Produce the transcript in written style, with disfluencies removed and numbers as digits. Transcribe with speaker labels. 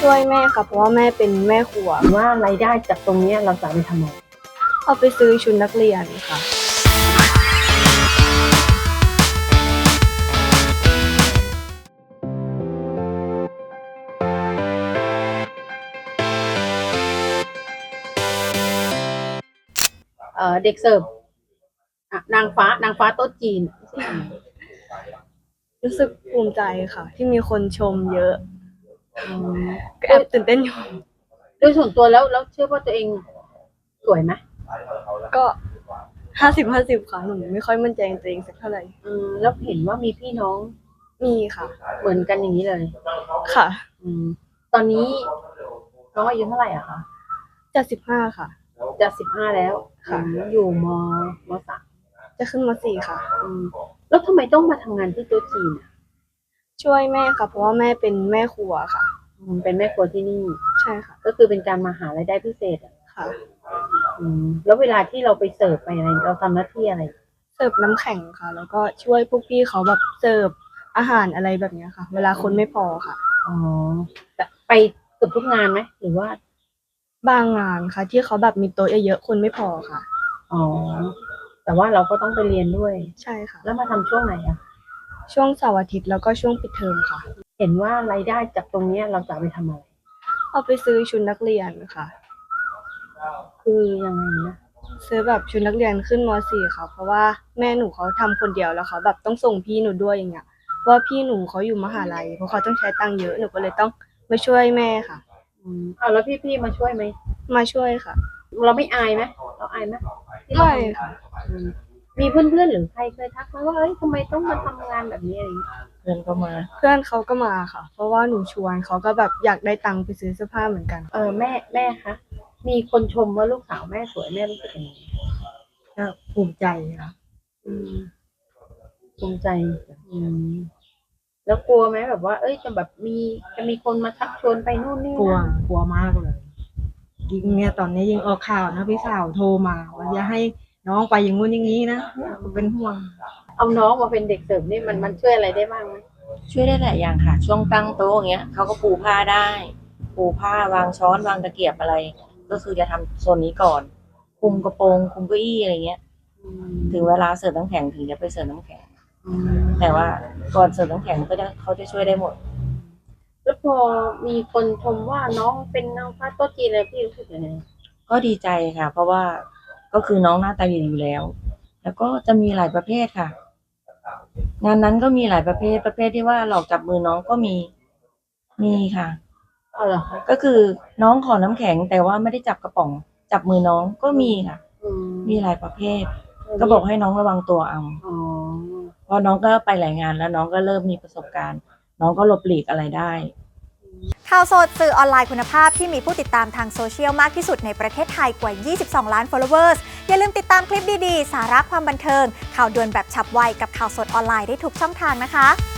Speaker 1: ช่วยแม่ค่ะเพราะว่าแม่เป็นแม่ครัว
Speaker 2: ว่ารายได้จากตรงนี้เราจะไปทำอะไร
Speaker 1: เอาไปซื้อชุดนักเรียนค่ะ
Speaker 2: เด็กเสิร์ฟนางฟ้าโต๊ะจีน
Speaker 1: รู้สึกภูมิใจค่ะที่มีคนชมเยอะก็แอบตื่นเต้นอยู่
Speaker 2: โดยส่วนตัวแล้วเชื่อว่าตัวเองสวยไหม
Speaker 1: ก็50-50ค่ะหนูไม่ค่อยมั่นใจในตัวเองสักเท่าไหร่
Speaker 2: แล้วเห็นว่ามีพี่น้อง
Speaker 1: มีค่ะ
Speaker 2: เหมือนกันอย่างนี้เลย
Speaker 1: ค่ะ
Speaker 2: ตอนนี้น้องอายุเท่าไหร่อะคะ
Speaker 1: จะ15ค่ะ
Speaker 2: จะ15แล้ว
Speaker 1: ค่ะ
Speaker 2: อยู่ม3
Speaker 1: จะขึ้นม4ค่ะ
Speaker 2: แล้วทำไมต้องมาทำงานที่โต๊ะจีน
Speaker 1: ช่วยแม่ค่ะเพราะว่าแม่เป็นแม่ครัวค่ะ
Speaker 2: เป็นแม่ครัวที่นี่
Speaker 1: ใช่ค่ะ
Speaker 2: ก็คือเป็นการมาหารายได้พิเศษ
Speaker 1: ค่ะ
Speaker 2: แล้วเวลาที่เราไปเสิร์ฟไปอะไรเราทำหน้าที่อะไร
Speaker 1: เสิร์ฟน้ำแข็งค่ะแล้วก็ช่วยพวกพี่เขาแบบเสิร์ฟอาหารอะไรแบบนี้ค่ะเวลาคนไม่พอค่ะ
Speaker 2: แต่ไปเกือบทุกงานไหมหรือว่า
Speaker 1: บางงานค่ะที่เขาแบบมีโต๊ะเยอะๆคนไม่พอค่ะ
Speaker 2: แต่ว่าเราก็ต้องไปเรียนด้วย
Speaker 1: ใช่ค่ะ
Speaker 2: แล้วมาทำช่วงไหน
Speaker 1: ช่วงเสาร์อาทิตย์แล้วก็ช่วงปิดเทอมค่ะ
Speaker 2: เห็นว่ารายได้จากตรงนี้เราจะไปทำอะไร
Speaker 1: เอาไปซื้อชุดนักเรียนค่ะ
Speaker 2: คือยังไงนะ
Speaker 1: ซื้อแบบชุดนักเรียนขึ้นม.4ค่ะเพราะว่าแม่หนูเขาทำคนเดียวแล้วเขาแบบต้องส่งพี่หนูด้วยอย่างเงี้ยเพราะว่าพี่หนูเขาอยู่มหาลัยเพราะเขาต้องใช้ตังค์เยอะหนูก็เลยต้องมาช่วยแม่ค่ะ
Speaker 2: แล้วพี่มาช่วยไหม
Speaker 1: มาช่วยค่ะ
Speaker 2: เราไม่อายไหมเราอายไหม
Speaker 1: ไม่ค่ะ
Speaker 2: มีเพื่อนหรือใครเคยทักมาว่าเอ้ยทำไมต้องมาทำงานแบบนี้อะไร
Speaker 1: เพื่อนเขาก็มาค่ะเพราะว่าหนูชวนเขาก็แบบอยากได้ตังค์ไปซื้อเสื้อผ้าเหมือนกัน
Speaker 2: แม่คะมีคนชมว่าลูกสาวแม่สวยแม่รู้สึกยังไง
Speaker 1: ก็ภูมิใจค่ะ
Speaker 2: ภูมิใจแล้วกลัวไหมแบบว่าเอ้ยจะมีคนมาชักชวนไปนู่นนี่
Speaker 1: กลัวมากเลยยิ่งเนี่ยตอนนี้ยิ่งออกข่าวนะพี่สาวโทรมาว่าอย่าให้น้องไปอย่างงู้นอย่างนี้นะเป็นห่วง
Speaker 2: เอาน้องมาเป็นเด็กเสิร์ฟนี่มันช่วยอะไรได้บ้างไหม
Speaker 3: ช่วยได้หลายอย่างค่ะช่วงตั้งโต๊ะอย่างเงี้ยเขาก็ปูผ้าได้ปูผ้าวางช้อนวางตะเกียบอะไรก็คือจะทำโซนนี้ก่อนคุมกระโปรงคุมเก้าอี้อะไรเงี้ยถึงเวลาเสิร์ฟน้ำแข็งถึงจะไปเสิร์ฟน้ำแข็งแต่ว่าก่อนเสิร์ฟน้ำแข็งเขาจะช่วยได้หมด
Speaker 2: แล้วพอมีคนชมว่าน้องเป็นนางฟ้าโต๊ะจีนเลยพี่รู้สึกยังไง
Speaker 3: ก็ดีใจค่ะเพราะว่าก็คือน้องหน้าตาดีอยู่แล้วแล้วก็จะมีหลายประเภทค่ะงานนั้นก็มีหลายประเภทที่ว่าหลอกจับมือน้องก็มีค่ะ
Speaker 2: เหรอ
Speaker 3: ก็คือน้องขอน้ำแข็งแต่ว่าไม่ได้จับกระป๋องจับมือน้องก็มีค่ะมีหลายประเภทก็บอกให้น้องระวังตัวเอาเพราะน้องก็ไปหลายงานแล้วน้องก็เริ่มมีประสบการณ์น้องก็หลบหลีกอะไรได้
Speaker 4: ข่าวสดสื่อออนไลน์คุณภาพที่มีผู้ติดตามทางโซเชียลมากที่สุดในประเทศไทยกว่า 22 ล้าน followers อย่าลืมติดตามคลิปดีๆ สาระความบันเทิงข่าวด่วนแบบฉับไวกับข่าวสดออนไลน์ได้ทุกช่องทางนะคะ